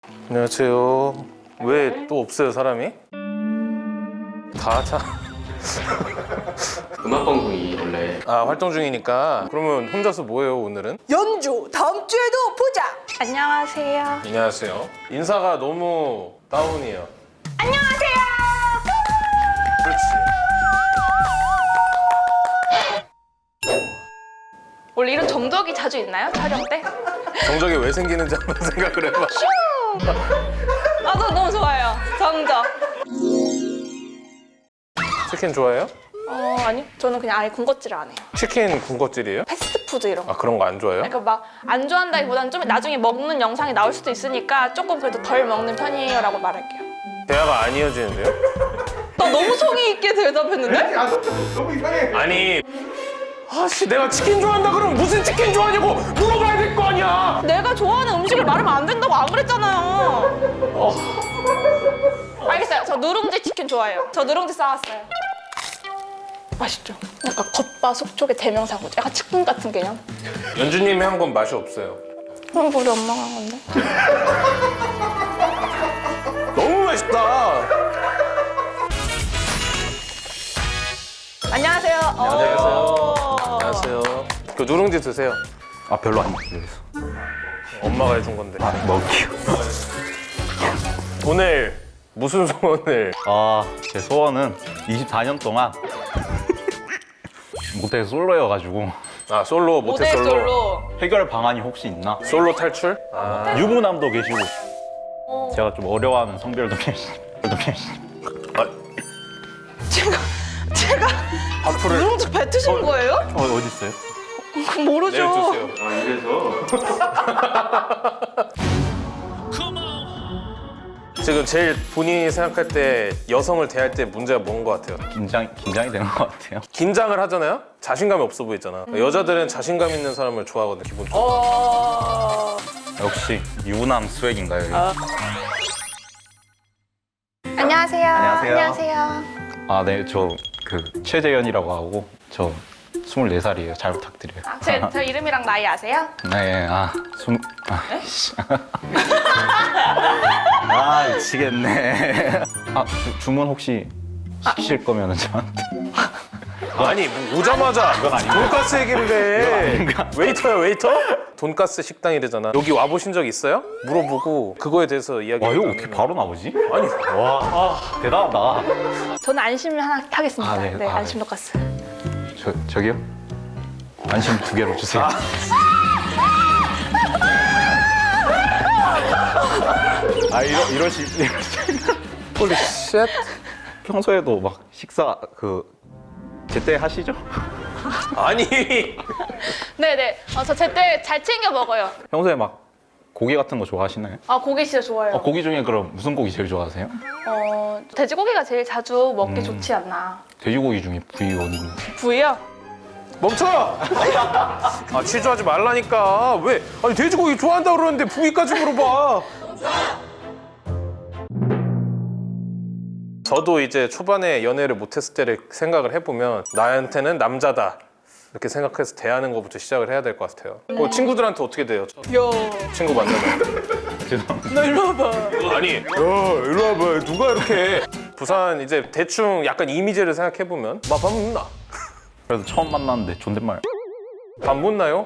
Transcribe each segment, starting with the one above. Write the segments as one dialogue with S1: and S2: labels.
S1: 안녕하세요. 왜 또 없어요 사람이? 다 차.
S2: 음악방송이 원래
S1: 활동 중이니까. 그러면 혼자서 뭐해요 오늘은?
S3: 연주 다음 주에도 보자. 안녕하세요.
S1: 안녕하세요. 인사가 너무 다운이에요.
S3: 안녕하세요.
S1: 그렇지.
S4: 원래 이런 정적이 자주 있나요? 촬영 때?
S1: 정적이 왜 생기는지 한번 생각을 해봐.
S4: 나도 너무 좋아요. 정적.
S1: 치킨 좋아해요?
S4: 아니 저는 그냥 아예 군것질을 안 해요.
S1: 치킨 군것질이에요?
S4: 패스트푸드 이런 거.
S1: 그런 거 안 좋아해요?
S4: 그러니까 막 안 좋아한다기보다는 좀 나중에 먹는 영상이 나올 수도 있으니까 조금 그래도 덜 먹는 편이에요라고 말할게요.
S1: 대화가 안 이어지는데요?
S4: 나 너무 성의 있게 대답했는데?
S5: 너무 이상해.
S1: 아니 아씨 내가 치킨 좋아한다 그러면 무슨 치킨 좋아하냐고 물어봐야 될 거 아니야.
S4: 내가 좋아하는 음식을 말하면 안 된다고 안 그랬잖아요. 알겠어요. 저 누룽지 치킨 좋아해요. 저 누룽지 싸왔어요. 맛있죠? 약간 겉바속촉의 대명사고죠. 약간 치킨 같은 개념.
S1: 연주님이 한 건 맛이 없어요.
S4: 그럼 우리 엄마가 한 건데.
S1: 너무 맛있다.
S4: 안녕하세요.
S1: 안녕하세요. 그 누룽지 드세요.
S5: 아 별로 안 먹겠어.
S1: 엄마가 해준 건데.
S5: 먹기요.
S1: 오늘 무슨 소원을?
S5: 제 소원은 24년 동안 모태 솔로여가지고
S1: 솔로 모태
S4: 모델
S1: 솔로.
S4: 솔로.
S5: 해결 방안이 혹시 있나?
S1: 솔로 탈출?
S5: 유부남도 계시고 제가 좀 어려워하는 성별도 계시고.
S4: 제가
S1: 하프를
S4: 누룽지 뱉으신 거예요?
S5: 어디 있어요?
S4: 모르죠.
S1: 내주세요. 지금 제일 본인이 생각할 때 여성을 대할 때 문제가 뭔 것 같아요?
S5: 긴장이 되는 것 같아요.
S1: 긴장을 하잖아요? 자신감이 없어 보이잖아. 여자들은 자신감 있는 사람을 좋아하거든 기본적으로.
S5: 역시 유부남 스웩인가요? 이게?
S4: 안녕하세요.
S5: 안녕하세요. 네, 저 최재현이라고 하고 저 24살이에요. 잘 부탁드려요.
S4: 제 이름이랑 나이 아세요?
S5: 네, 씨. 미치겠네. 주문 혹시 시키실 거면은 저한테.
S1: 아니 뭐 오자마자
S5: 이건 아닌가?
S1: 돈가스 얘기인데
S5: 아닌가?
S1: 웨이터야 웨이터? 돈가스 식당이래잖아. 여기 와보신 적 있어요? 물어보고 그거에 대해서 이야기.
S5: 와, 이거 어떻게 바로 나오지?
S1: 아니
S5: 와, 대단하다.
S4: 저는 안심 하나 하겠습니다.
S5: 네.
S4: 네,
S5: 네.
S4: 안심 돈가스.
S5: 저기요? 안심 2개로 주세요. 이러시.
S1: 홀리 쉣.
S5: 평소에도 막 식사 제때 하시죠?
S1: 아니
S4: 네네. 저 제때 잘 챙겨 먹어요.
S5: 평소에 막 고기 같은 거 좋아하시나요?
S4: 고기 진짜 좋아해요.
S5: 고기 중에 그럼 무슨 고기 제일 좋아하세요?
S4: 돼지고기가 제일 자주 먹기 좋지 않나.
S5: 돼지고기 중에 부위 어디 있나요?
S4: 부위요?
S1: 멈춰! 취조하지 말라니까. 왜? 아니 돼지고기 좋아한다 그러는데 부위까지 물어봐. 저도 이제 초반에 연애를 못했을 때를 생각을 해보면 나한테는 남자다 이렇게 생각해서 대하는 것부터 시작을 해야 될 것 같아요. 친구들한테 어떻게 돼요? 친구 만나면
S5: 죄송합니다.
S4: 너 일로 와봐.
S1: 아니 일로 와봐. 누가 이렇게 해? 부산 이제 대충 약간 이미지를 생각해보면 밥 묻나?
S5: 그래도 처음 만났는데 존댓말.
S1: 밥 묻나요?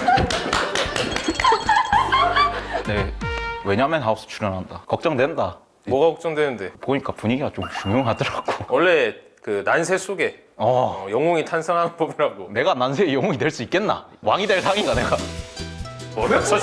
S5: 네, 왜냐면 하우스 출연한다. 걱정된다.
S1: 뭐가 걱정되는데?
S5: 보니까 분위기가 좀 흉흉하더라고.
S1: 원래 그 난세 속에 영웅이 탄생하는 법이라고.
S5: 내가 난세의 영웅이 될 수 있겠나? 왕이 될 상인가 내가?
S1: 뭐야?
S5: 네.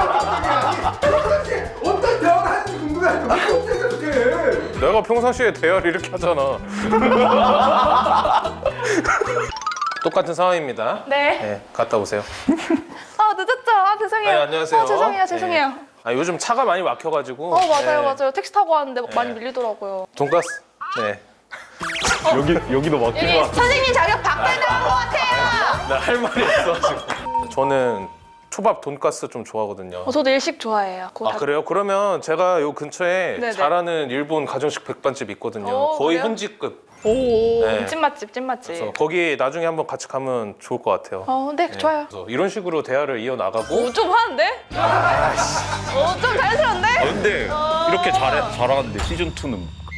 S6: 어떤 대화를 하는지 궁금해. 어떻게
S1: 내가 평상시에 대화를 이렇게 하잖아. 똑같은 상황입니다.
S4: 네.
S1: 갔다 오세요.
S4: 늦었죠? 죄송해요.
S1: 네, 안녕하세요.
S4: 죄송해요.
S1: 네. 요즘 차가 많이 막혀가지고.
S4: 맞아요. 택시 타고 왔는데 많이 밀리더라고요.
S1: 돈가스. 네.
S5: 여기도 막힌
S4: 여기 선생님 자격 박탈당한 것 같아요.
S1: 나 할 말이 있어 지금. 저는 초밥 돈가스 좀 좋아하거든요.
S4: 저도 일식 좋아해요.
S1: 그래요? 그러면 제가 요 근처에
S4: 네네.
S1: 잘하는 일본 가정식 백반집 있거든요.
S4: 오,
S1: 거의
S4: 그래요?
S1: 현지급.
S4: 오,
S1: 네.
S4: 찐맛집,
S1: 그래서
S4: 찐맛집.
S1: 거기 나중에 한번 같이 가면 좋을 것 같아요.
S4: 네, 좋아요.
S1: 그래서 이런 식으로 대화를 이어나가고
S4: 오, 좀 하는데? 좀 자연스러운데?
S5: 근데 이렇게 잘하는데 시즌2는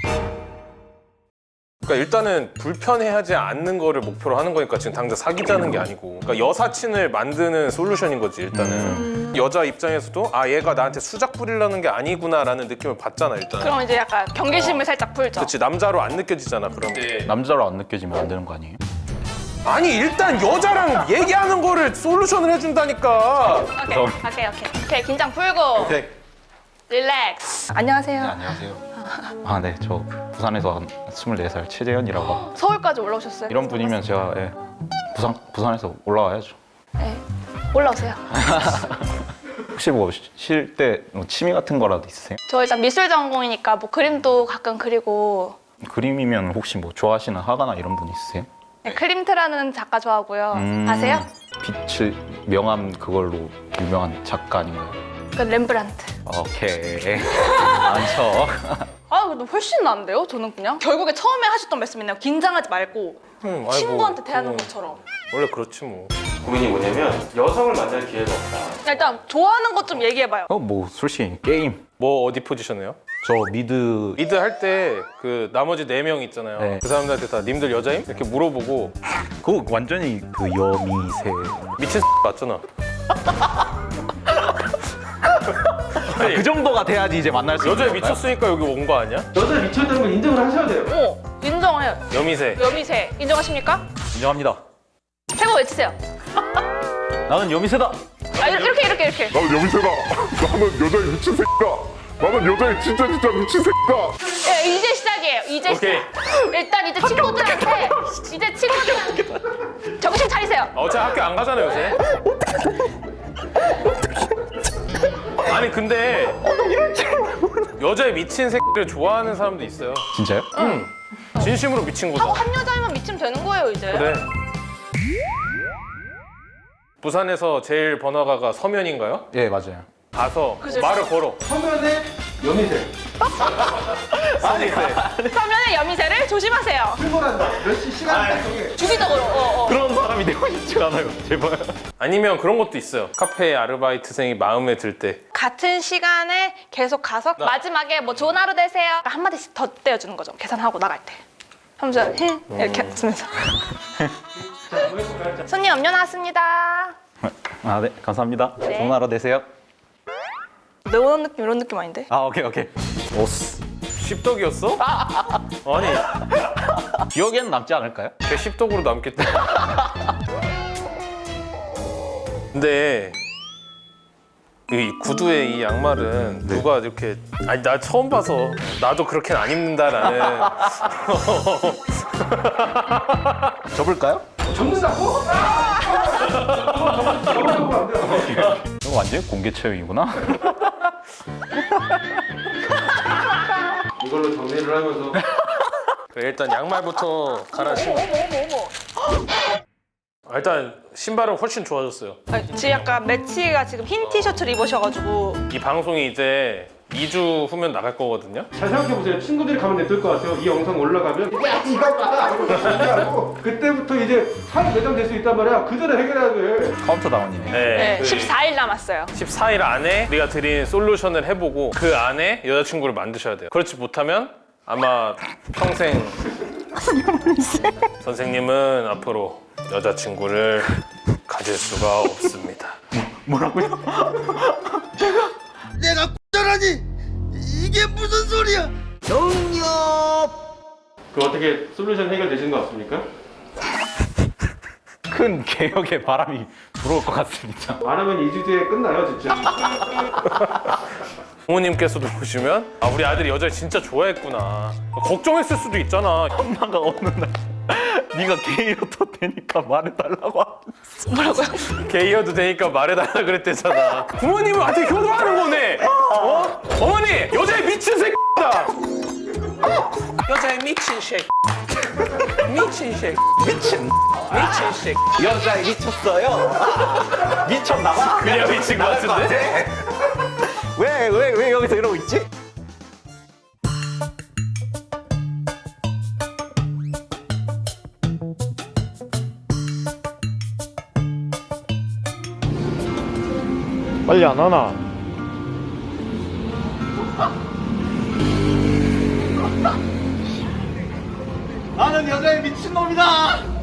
S1: 그러니까 일단은 불편해하지 않는 거를 목표로 하는 거니까 지금 당장 사귀자는 게 아니고 그러니까 여사친을 만드는 솔루션인 거지 일단은 여자 입장에서도 아 얘가 나한테 수작 부리려는 게 아니구나라는 느낌을 받잖아 일단.
S4: 그럼 이제 약간 경계심을 살짝 풀죠.
S1: 그렇지 남자로 안 느껴지잖아 그럼.
S5: 남자로 안 느껴지면 안 되는 거 아니에요?
S1: 아니 일단 여자랑 얘기하는 거를 솔루션을 해준다니까.
S4: 오케이. 긴장 풀고. 릴렉스. 안녕하세요.
S5: 안녕하세요. 아, 네. 저 부산에서 한 24살 최재현이라고 합니다.
S4: 서울까지 올라오셨어요?
S5: 이런 분이면 제가 부산에서 올라와야죠.
S4: 네. 올라오세요.
S5: 혹시 뭐 쉴 때 취미 같은 거라도 있으세요?
S4: 저 일단 미술 전공이니까 뭐 그림도 가끔 그리고
S5: 그림이면 혹시 뭐 좋아하시는 화가나 이런 분 있으세요?
S4: 네, 클림트라는 작가 좋아하고요. 아세요?
S5: 빛을 명함 그걸로 유명한 작가 아닌가요?
S4: 그 렘브란트.
S5: 오케이. 많죠.
S4: 아, 근데 훨씬 나은데요? 저는 그냥 결국에 처음에 하셨던 말씀 있나요? 긴장하지 말고
S1: 아이고,
S4: 친구한테 대하는
S1: 그건
S4: 것처럼.
S1: 원래 그렇지 뭐.
S2: 고민이 뭐냐면 여성을 만날 기회가 없다.
S4: 일단 좋아하는 것 좀 얘기해봐요.
S5: 뭐 솔직히 게임.
S1: 뭐 어디 포지션이에요?
S5: 저 미드.
S1: 리드 할 때 그 나머지 4명 있잖아요.
S5: 네.
S1: 그 사람들한테 다 님들 여자임? 이렇게 물어보고
S5: 그거 완전히 그 여미새.
S1: 미친 맞잖아.
S5: 그 정도가 돼야지 이제 만날 수
S1: 여자에
S5: 있는 건가요?
S1: 미쳤으니까 여기 온 거 아니야?
S6: 여자에 미쳐있다는 걸 인정을 하셔야 돼요.
S4: 인정해요.
S1: 여미새.
S4: 여미새 인정하십니까?
S5: 인정합니다.
S4: 세모 외치세요.
S5: 나는 여미새다.
S4: 아, 이렇게.
S7: 나는 여미새다. 나는 여자의 미친 새끼다. 나는 여자의 진짜 미친 새끼다.
S4: 네, 이제 시작이에요. 이제
S1: 오케이.
S4: 시작. 일단 이제 친구들한테 정신 차리세요.
S1: 어차피 학교 안 가잖아 요새. 아니 근데 여자에 미친 새끼를 좋아하는 사람도 있어요.
S5: 진짜요?
S1: 진심으로 미친
S4: 하고
S1: 거다.
S4: 한 여자면 미치면 되는 거예요 이제.
S1: 그래. 부산에서 제일 번화가가 서면인가요?
S5: 예, 맞아요.
S1: 가서 말을 걸어.
S6: 서면에 여미새.
S1: 서미새.
S4: 그러면 여미새를 조심하세요.
S6: 출몰한다. 몇 시간 딱 정해.
S4: 주기적으로.
S5: 그런 사람이 되고 싶지 않아요. 제발.
S1: 아니면 그런 것도 있어요. 카페 아르바이트생이 마음에 들 때.
S4: 같은 시간에 계속 가서 마지막에 뭐 좋은 하루 되세요. 한 마디씩 더 떼어주는 거죠. 계산하고 나갈 때. 하면서 이렇게 하면서. 손님 음료 나왔습니다.
S5: 아, 네. 감사합니다.
S4: 네.
S5: 좋은 하루 되세요.
S4: 이런 느낌 이런 느낌 아닌데?
S5: 아, 오케이. 오스.
S1: 십덕이었어? 아니
S5: 기억에는 남지 않을까요?
S1: 걔 십덕으로 남겠다. 근데 이 구두의 이 양말은 누가 이렇게 아니 나 처음 봐서 나도 그렇게는 안 입는다라는.
S5: 접을까요?
S6: 접는다고? 접으면 안 돼요.
S5: 이거 완전히 공개 체험이구나.
S6: 이걸로 정리를 하면서
S1: 그래, 일단 양말부터 갈아 신고.
S4: 어머.
S1: 일단 신발은 훨씬 좋아졌어요.
S4: 지금 약간 매치가 지금 흰 티셔츠를 입으셔가지고
S1: 이 방송이 이제 2주 후면 나갈 거거든요.
S6: 잘 생각해보세요. 친구들이 가면 냅둘 것 같아요. 이 영상 올라가면 야 이거 봐라 하고 그때부터 이제 사이 매장될 수 있단 말이야. 그 전에 해결해야 돼.
S5: 카운터 다운이네.
S4: 네,
S1: 그
S4: 14일 남았어요.
S1: 14일 안에 우리가 드린 솔루션을 해보고 그 안에 여자친구를 만드셔야 돼요. 그렇지 못하면 아마 평생 선생님은 앞으로 여자친구를 가질 수가 없습니다.
S5: 뭐라고요?
S8: 내가 X라니 이게 무슨 소리야?
S6: 그 어떻게 솔루션 해결되신 것 같습니까?
S5: 큰 개혁의 바람이 불어올 것 같습니다.
S6: 말하면 2주 뒤에 끝나요 진짜.
S1: 부모님께서도 보시면 아 우리 아들이 여자를 진짜 좋아했구나 걱정했을 수도 있잖아.
S5: 엄마가 어느 날 네가 게이여도 되니까 말해달라고
S4: 뭐라고요?
S1: 게이여도 되니까 말해달라 그랬대잖아. 부모님은 아직 효도하는 거네. 어? 어머니 여자에 미친 새끼다. 여자에 미친 새끼. 미친 새끼. 미친 새끼.
S5: 여자에 미쳤어요? 미쳤나봐?
S1: 그냥 미친 거 같은데?
S5: 왜 여기서 이러고 있지?
S6: 빨리 안 하나?
S8: 나는 여자의 미친놈이다.